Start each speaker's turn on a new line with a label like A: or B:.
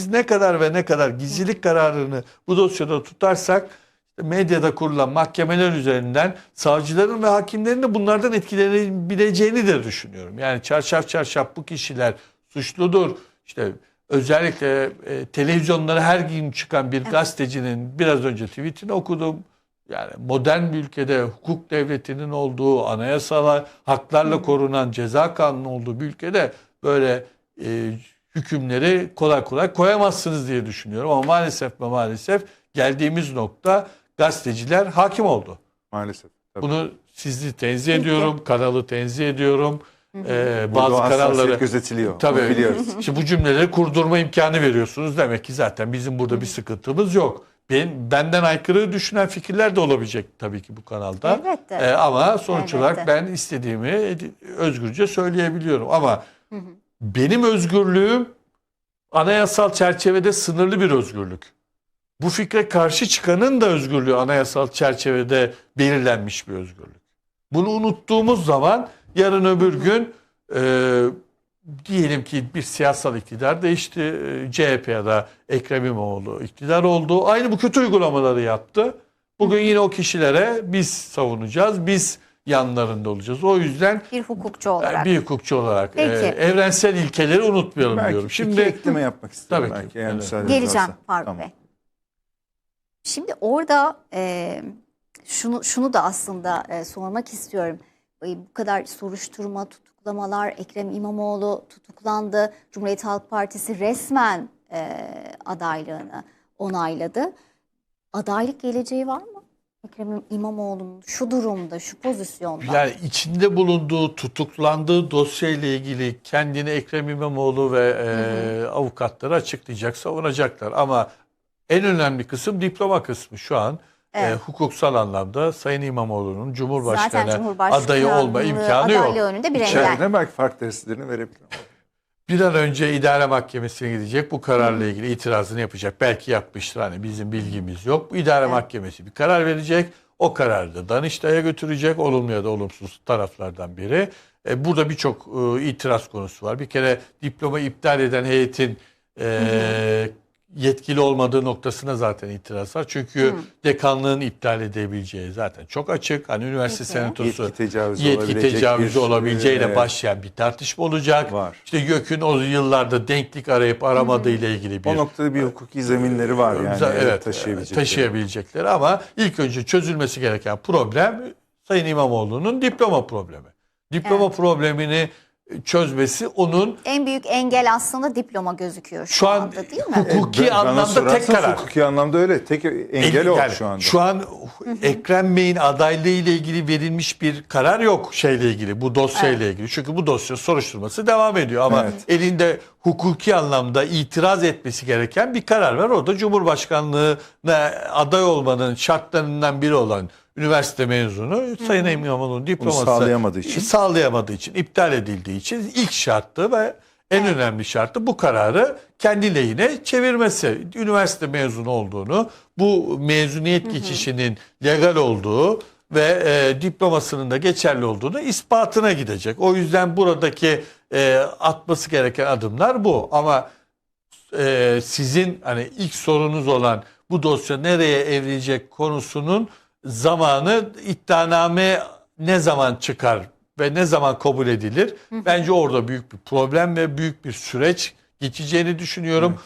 A: biz ne kadar ve ne kadar gizlilik kararını bu dosyada tutarsak medyada kurulan mahkemeler üzerinden savcıların ve hakimlerin de bunlardan etkilenebileceğini de düşünüyorum. Yani çarşaf çarşaf bu kişiler suçludur. İşte özellikle televizyonlara her gün çıkan bir gazetecinin biraz önce tweetini okudum. Yani modern bir ülkede hukuk devletinin olduğu, anayasal haklarla korunan ceza kanunu olduğu bir ülkede böyle hükümleri kolay kolay koyamazsınız diye düşünüyorum. Ama maalesef ve maalesef geldiğimiz nokta gazeteciler hakim oldu.
B: Maalesef. Tabii.
A: Bunu sizi tenzih ediyorum, kanalı tenzih ediyorum.
B: Bazı
A: kanalları
B: gözetiliyor.
A: tabii
B: Biliyoruz.
A: işte bu cümleleri kurdurma imkanı veriyorsunuz. Demek ki zaten bizim burada bir sıkıntımız yok. Benden aykırı düşünen fikirler de olabilecek tabii ki bu kanalda.
C: Elbette.
A: Ama sonuç
C: Elbette.
A: olarak ben istediğimi özgürce söyleyebiliyorum. Ama benim özgürlüğüm anayasal çerçevede sınırlı bir özgürlük. Bu fikre karşı çıkanın da özgürlüğü anayasal çerçevede belirlenmiş bir özgürlük. Bunu unuttuğumuz zaman yarın öbür gün diyelim ki bir siyasal iktidar değişti. CHP ya da Ekrem İmamoğlu iktidar oldu. Aynı bu kötü uygulamaları yaptı. Bugün yine o kişilere biz savunacağız. Biz yanlarında olacağız. O yüzden
C: Bir hukukçu olarak.
A: bir hukukçu olarak
C: Peki.
A: evrensel ilkeleri unutmayalım
B: Belki
A: diyorum.
B: Şimdi ekleme yapmak istiyorum.
A: Tabii ki.
B: Belki, eğer
A: Evet.
B: müsaadeniz
C: Geleceğim
B: varsa.
C: Faruk
B: Tamam.
C: Bey. Şimdi orada şunu da aslında sormak istiyorum. Bu kadar soruşturma, tutuklamalar, Ekrem İmamoğlu tutuklandı. Cumhuriyet Halk Partisi resmen adaylığını onayladı. Adaylık geleceği var mı? Ekrem İmamoğlu'nun şu durumda, şu pozisyonda.
A: Yani içinde bulunduğu, tutuklandığı dosyayla ilgili kendini Ekrem İmamoğlu ve avukatları açıklayacak, savunacaklar. Ama en önemli kısım diploma kısmı şu an. Hukuksal anlamda Sayın İmamoğlu'nun Cumhurbaşkanı adayı olma imkanı yok.
C: Önünde bir engel.
B: İçeride belki fark derslerini verebilir.
A: Bir an önce idare mahkemesine gidecek, bu kararla ilgili itirazını yapacak. Belki yapmıştır, hani bizim bilgimiz yok. Bu idare mahkemesi bir karar verecek. O kararı da Danıştay'a götürecek. Olumlu ya da olumsuz taraflardan biri. Burada birçok itiraz konusu var. Bir kere diploma iptal eden heyetin yetkili olmadığı noktasına zaten itiraz var. Çünkü dekanlığın iptal edebileceği zaten çok açık. Hani üniversite senatosu yetki tecavüzü olabileceğiyle başlayan bir tartışma olacak.
B: Var.
A: İşte YÖK'ün o yıllarda denklik arayıp aramadığı ile ilgili bir
B: O noktada bir hukuki zeminleri var yani.
A: evet,
B: taşıyabilecekleri.
A: taşıyabilecekleri ama ilk önce çözülmesi gereken problem Sayın İmamoğlu'nun diploma problemi. Diploma problemini çözmesi onun
C: En büyük engel aslında diploma gözüküyor şu
A: an
C: anda, değil mi?
A: hukuki
B: Bana
A: anlamda tek
B: sorarsanız
A: karar.
B: Hukuki anlamda öyle. Tek engel o
A: Yani
B: şu anda.
A: Şu an Ekrem Bey'in adaylığı ile ilgili verilmiş bir karar yok şeyle ilgili, bu dosyayla ilgili. Çünkü bu dosya soruşturması devam ediyor ama elinde hukuki anlamda itiraz etmesi gereken bir karar var. O da Cumhurbaşkanlığına aday olmanın şartlarından biri olan üniversite mezunu Sayın İmamoğlu'nun diploması sağlayamadığı için, iptal edildiği için ilk şartı ve en önemli şartı bu kararı kendi lehine çevirmesi. Üniversite mezunu olduğunu, bu mezuniyet geçişinin legal olduğu ve diplomasının da geçerli olduğunu ispatına gidecek. O yüzden buradaki atması gereken adımlar bu. Ama sizin hani ilk sorunuz olan bu dosya nereye evrilecek konusunun zamanı, iddianame ne zaman çıkar ve ne zaman kabul edilir? Bence orada büyük bir problem ve büyük bir süreç geçeceğini düşünüyorum.